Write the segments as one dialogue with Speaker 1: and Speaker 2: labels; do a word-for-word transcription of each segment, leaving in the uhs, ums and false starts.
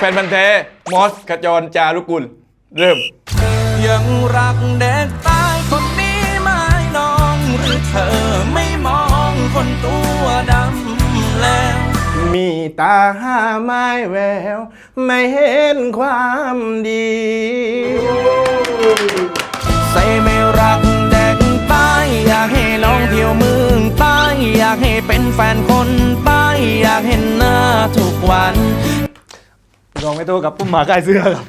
Speaker 1: ฟนพันธุ์แท้มอสขจรจารุกุลเริ่ม
Speaker 2: ยังรักเด็กตายคนนี้ไม่น้องหรือเธอไม่มองคนตัวดำแล้ว
Speaker 1: มีตาห้าไม้แววไม่เห็นความดี
Speaker 2: ใส่ไม่รักเด็กตายอยากให้น้องเที่ยวเมืองใต้อยากให้เป็นแฟนคนใต้อยากเห็นหน้าทุกวัน
Speaker 1: ลองไม่โตกับปุ้มหมาใกล้เสื้อครับ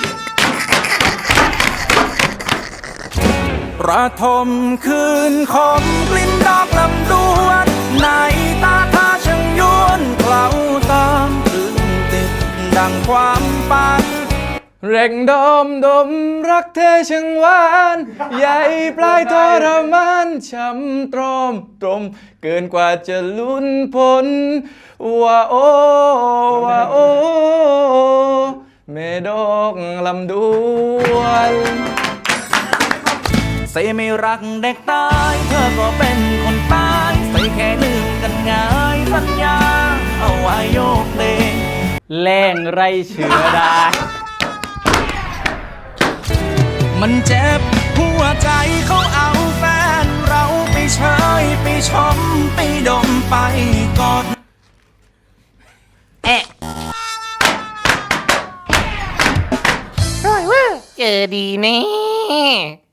Speaker 2: ระทมคืนคมกลิ่นดอกลำดวนในตาท่าช่างยวนเคล้าตามตรึงติดดังความฝัน
Speaker 1: เร่งดมดมรักเธอช่างหวานใหญ่ปลายทรมานช้ำตรอมตรมเกินกว่าจะลุ้นพ้นว่าโอว่าโอเมดอกลำดวน
Speaker 2: ใส่ไม่รักเด็กตายเธอก็เป็นคนตายใส่แค่ลืมกันง่ายสัญญาเอาไว้โยกเลง
Speaker 1: แรงไรเชื้อได้
Speaker 2: มันเจ็บหัวใจเขาเอาแฟนเราไปเชยไปชมไปดมไปกอด
Speaker 3: เอ๊ะร้อยเว้ยเจอดีแน่